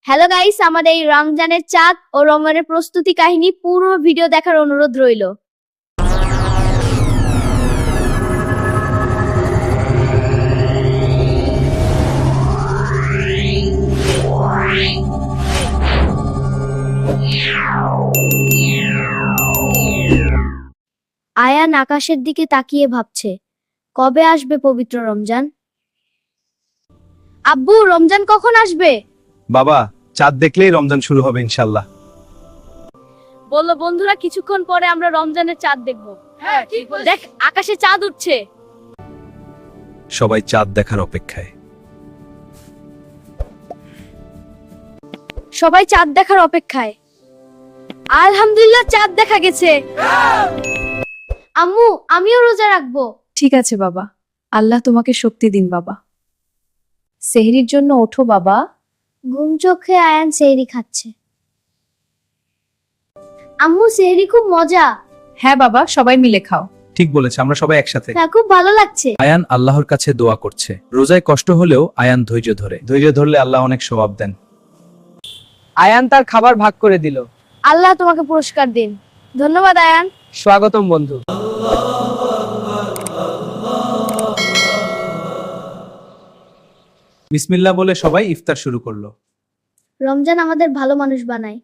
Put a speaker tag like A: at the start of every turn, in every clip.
A: Hello guys, আমাদের এই রমজানের চাঁদ ও রমজানের প্রস্তুতি কাহিনী পুরো ভিডিও দেখার অনুরোধ রইল। আয়ান আকাশের দিকে তাকিয়ে ভাবছে, কবে আসবে পবিত্র রমজান? আব্বু, রমজান কখন আসবে?
B: বাবা, চাঁদ দেখলেই রমজান শুরু হবে ইনশাল্লাহ।
A: বললো বন্ধুরা, কিছুক্ষণ পরে আমরা রমজানের চাঁদ দেখব। হ্যাঁ, ঠিক বলেছিস। দেখ, আকাশে চাঁদ উঠছে।
B: সবাই চাঁদ দেখার অপেক্ষায়।
A: সবাই চাঁদ দেখার অপেক্ষায়। আলহামদুলিল্লাহ, চাঁদ দেখা গেছে। আম্মু, আমিও রোজা রাখবো।
C: ঠিক আছে বাবা, আল্লাহ তোমাকে শক্তি দিন বাবা। সেহরির জন্য ওঠো বাবা।
A: ঘুম চোখে আয়ান সেহরি খাচ্ছে। আম্মু, সেহরি খুব মজা।
C: হ্যাঁ বাবা, সবাই মিলে খাও।
B: ঠিক বলেছে, আমরা সবাই একসাথে।
A: হ্যাঁ, খুব ভালো লাগছে।
B: আয়ান আল্লাহর কাছে দোয়া করছে। রোজায় কষ্ট হলেও আয়ান ধৈর্য ধরলে আল্লাহ অনেক সওয়াব দেন।
D: আয়ান তার খাবার ভাগ করে দিল।
A: আল্লাহ তোমাকে পুরস্কার দিন। ধন্যবাদ আয়ান।
D: স্বাগতম বন্ধু।
B: বিসমিল্লাহ বলে সবাই ইফতার শুরু করলো।
A: রমজান আমাদের ভালো মানুষ বানায়।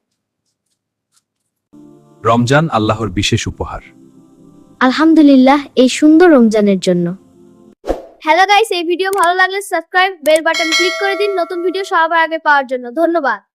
B: রমজান আল্লাহর বিশেষ উপহার।
A: আলহামদুলিল্লাহ এই সুন্দর রমজানের জন্য। হ্যালো গাইস, এই ভিডিও ভালো লাগলে সাবস্ক্রাইব বেল বাটন ক্লিক করে দিন নতুন ভিডিও সবার আগে পাওয়ার জন্য। ধন্যবাদ।